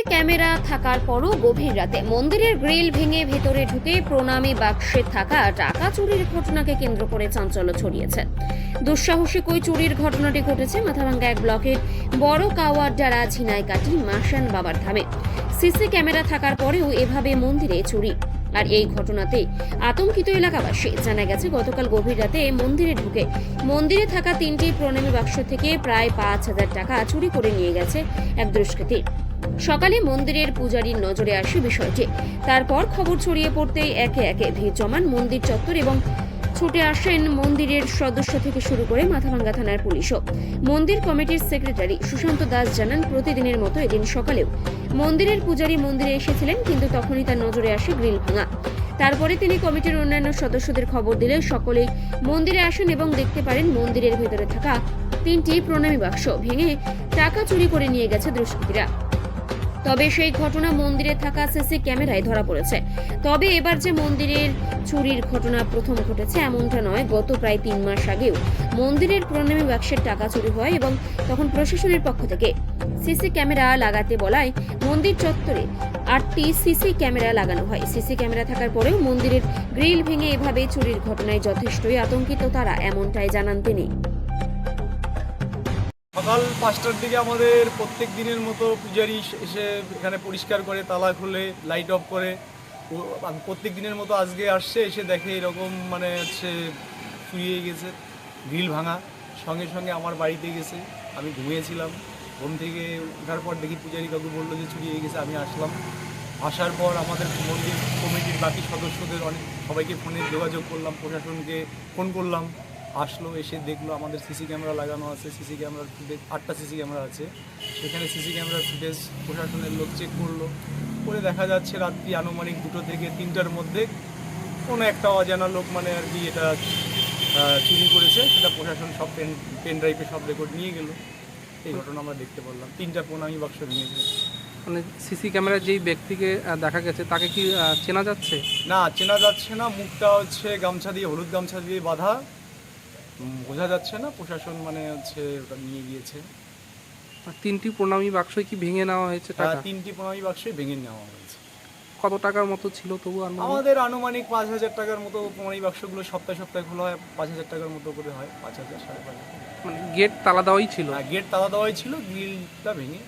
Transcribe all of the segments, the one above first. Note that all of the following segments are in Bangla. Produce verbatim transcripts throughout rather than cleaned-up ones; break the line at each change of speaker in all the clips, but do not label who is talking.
ক্যামেরা থাকার পরও গভীর রাতে মন্দিরের গ্রিল ভেঙে ভেতরে ঢুকে প্রণামী বাক্সে থাকা টাকা চুরির ঘটনাকে কেন্দ্র করে চাঞ্চল্য ছড়িয়েছে। দুঃসাহসিক ওই চুরির ঘটনাটি ঘটেছে মাথাভাঙ্গা এক ব্লকের বড় কাওয়ারডারা ঝিনাইকাটি মাসান বাবার ধামে। সিসি ক্যামেরা থাকার পরেও এভাবে মন্দিরে চুরি, আর এই ঘটনাতে আতঙ্কিত এলাকাবাসী। জানা গেছে গতকাল গভীর রাতে মন্দিরে ঢুকে মন্দিরে থাকা তিনটি প্রণামী বাক্স থেকে প্রায় পাঁচ হাজার টাকা চুরি করে নিয়ে গেছে এক দুষ্কৃতী। সকালে মন্দিরের পূজারীর নজরে আসে বিষয়টি। তারপর খবর ছড়িয়ে পড়তেই একে একে ভিড় জমান মন্দির চত্বর এবং ছুটে আসেন মন্দিরের সদস্য থেকে শুরু করে মাথাভাঙ্গা থানার পুলিশও। মন্দির কমিটির সেক্রেটারি সুশান্ত দাস জানান, প্রতিদিনের মতো এদিন সকালেও মন্দিরের পূজারী মন্দিরে এসেছিলেন, কিন্তু তখনই তার নজরে আসে গ্রিল ভাঙা। তারপরে তিনি কমিটির অন্যান্য সদস্যদের খবর দিলে সকলেই মন্দিরে আসেন এবং দেখতে পারেন মন্দিরের ভেতরে থাকা তিনটি প্রণামী বাক্স ভেঙে টাকা চুরি করে নিয়ে গেছে দুষ্কৃতীরা। তবে সেই ঘটনা মন্দিরে থাকা সিসি ক্যামেরায় ধরা পড়েছে। তবে এবার যে মন্দিরের চুরির ঘটনা প্রথম ঘটেছে এমনটা নয়। গত প্রায় তিন মাস আগেও মন্দিরের প্রণামী বাক্সের টাকা চুরি হয় এবং তখন প্রশাসনের পক্ষ থেকে সিসি ক্যামেরা লাগাতে বলায় মন্দির চত্বরে আটটি সিসি ক্যামেরা লাগানো হয়। সিসি ক্যামেরা থাকার পরেও মন্দিরের গ্রিল ভেঙে এভাবে চুরির ঘটনায় যথেষ্টই আতঙ্কিত তারা, এমনটাই জানান তিনি।
সকাল পাঁচটার দিকে আমাদের প্রত্যেক দিনের মতো পূজারি এসে এখানে পরিষ্কার করে, তালা খুলে, লাইট অফ করে প্রত্যেক দিনের মতো আজকে আসছে। এসে দেখে এরকম মানে হচ্ছে চুরিয়ে গেছে, গ্রিল ভাঙা। সঙ্গে সঙ্গে আমার বাড়িতে গেছে, আমি ঘুমিয়েছিলাম। ঘুম থেকে ওঠার পর দেখি পূজারি কাকু বললো যে চুরিয়ে গেছে। আমি আসলাম, আসার পর আমাদের মন্দির কমিটির বাকি সদস্যদের অনেক সবাইকে ফোনে যোগাযোগ করলাম, প্রশাসনকে ফোন করলাম। আসলো, এসে দেখলো আমাদের সিসি ক্যামেরা লাগানো আছে। সিসি ক্যামেরার ফুটেজ আটটা সিসি ক্যামেরা আছে, সেখানে সিসি ক্যামেরার ফুটেজ প্রশাসনের লোক চেক করলো। করে দেখা যাচ্ছে রাত্রি আনুমানিক দুটো থেকে তিনটার মধ্যে কোনো একটা অজানা লোক মানে আর কি এটা চুরি করেছে। সেটা প্রশাসন সব পেন পেন ড্রাইভে সব রেকর্ড নিয়ে গেল। এই ঘটনা আমরা দেখতে পারলাম। তিনটা প্রণামী বাক্স ভেঙেছে।
মানে সিসি ক্যামেরার যেই ব্যক্তিকে দেখা গেছে তাকে কি চেনা যাচ্ছে?
না, চেনা যাচ্ছে না। মুখটা হচ্ছে গামছা দিয়ে, হলুদ গামছা দিয়ে বাঁধা, বোঝা যাচ্ছে না। প্রশাসন মানে হচ্ছে ওটা নিয়ে গিয়েছে।
তিনটি প্রণামী বাক্সই কি ভেঙে নেওয়া হয়েছে? টাকা
তিনটি প্রণামী বাক্সই ভেঙে নেওয়া হয়েছে।
কত টাকার মতো ছিল তবু?
আমাদের আনুমানিক পাঁচ হাজার টাকার মতো প্রণামী বাক্সগুলো সপ্তাহে সপ্তাহে খোলা হয়। পাঁচ হাজার টাকার মতো করে হয়, পাঁচ হাজার সাড়ে পাঁচ হাজার।
মানে গেট তালা দেওয়াই ছিল?
গেট তালা দেওয়াই ছিল, গ্রিলটা ভেঙে।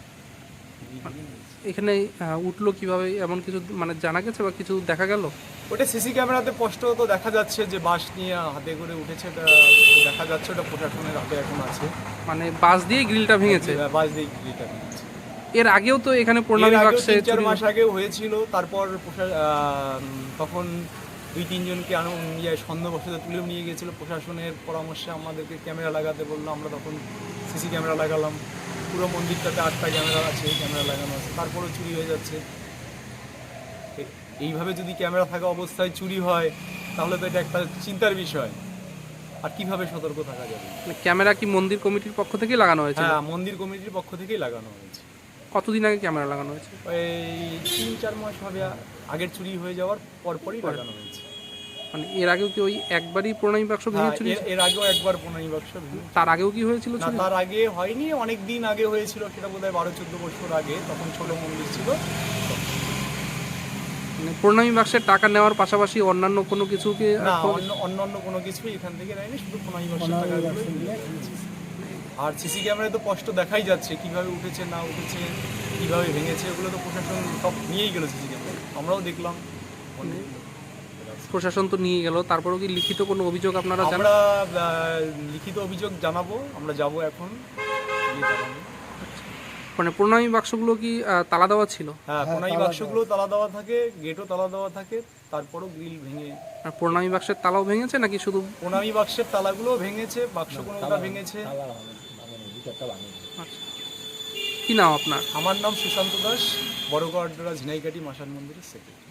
এখানে উঠলো কিভাবে এমন কিছু মানে জানা গেছে বা কিছু দেখা গেল?
ওটা সিসি ক্যামেরাতে স্পষ্ট তো দেখা যাচ্ছে যে বাস নিয়ে হাতে করে উঠেছে, এটা দেখা যাচ্ছে। ওটা প্রশাসনের হাতে এখন আছে।
মানে বাস দিয়ে গ্রিলটা ভেঙেছে?
বাস দিয়ে গ্রিলটা ভেঙেছে।
এর আগেও তো এখানে প্রণামী বাক্সে
চার মাস আগেও হয়েছিল। তারপর তখন দুই তিনজনকে আনো নিয়ে সন্দেহবশত তুলে নিয়ে গেছিলো। প্রশাসনের পরামর্শে আমাদেরকে ক্যামেরা লাগাতে বললো। আমরা তখন সিসি ক্যামেরা লাগালাম। পুরো মন্দিরটাতে আটটা ক্যামেরা আছে, ক্যামেরা লাগানো আছে। তারপরেও চুরি হয়ে যাচ্ছে। এইভাবে যদি ক্যামেরা থাকা অবস্থায় চুরি হয় তাহলে তো এটা একটা চিন্তার বিষয়। আর কিভাবে সতর্ক থাকা যাবে?
ক্যামেরা কি মন্দির কমিটির পক্ষ থেকেই লাগানো হয়েছে?
হ্যাঁ, মন্দির কমিটির পক্ষ থেকেই লাগানো হয়েছে।
কতদিন আগে ক্যামেরা লাগানো হয়েছে?
ওই তিন চার মাস হবে, আগের চুরি হয়ে যাওয়ার পরপরই লাগানো হয়েছে।
মানে এর আগেও কি ওই একবারই প্রণামী বাক্স ভেঙে চুরি?
এর আগেও একবার প্রণামী বাক্স ভেঙে।
তার আগেও কি হয়েছিল?
তার আগে হয়নি, অনেক দিন আগে হয়েছিল। সেটা বোধহয় বারো চোদ্দ বছর আগে, তখন ছোট মন্দির ছিল।
মানে প্রণামী বাক্সের টাকা নেওয়ার পাশাপাশি অন্যান্য কোনো কিছু কি?
না, অন্যান্য কোনো কিছুই এখান থেকে নেয়নি, শুধু প্রণামী বাক্সের টাকাগুলো। আর সিসি ক্যামেরায় তো স্পষ্ট দেখাই যাচ্ছে কিভাবে উঠেছে না উঠেছে, কিভাবে ভেঙেছে। ওগুলো তো প্রশাসন সব নিয়েই গেল সিসি ক্যামেরা, আমরাও দেখলাম।
প্রশাসন তো নিয়ে গেল, তারপরেও কি লিখিত কোনো অভিযোগ আপনারা?
আমরা লিখিত অভিযোগ জানাবো, আমরা যাব এখন।
মানে প্রণামী বাক্সগুলো কি তালা দেওয়া ছিল?
হ্যাঁ, প্রণামী বাক্সগুলো তালা দেওয়া থাকে, গেটও তালা দেওয়া থাকে। তারপরও গ্রিল ভেঙে।
আর প্রণামী বাক্সের তালাও ভেঙেছে নাকি শুধু?
প্রণামী বাক্সের তালাগুলো ভেঙেছে, বাক্স কোনোটা ভেঙেছে।
কি নাম আপনার?
আমার নাম সুশান্ত দাস, বড় কাওয়ারডারা ঝিনাইকাটি মাসান মন্দিরের সেক্রেটারি।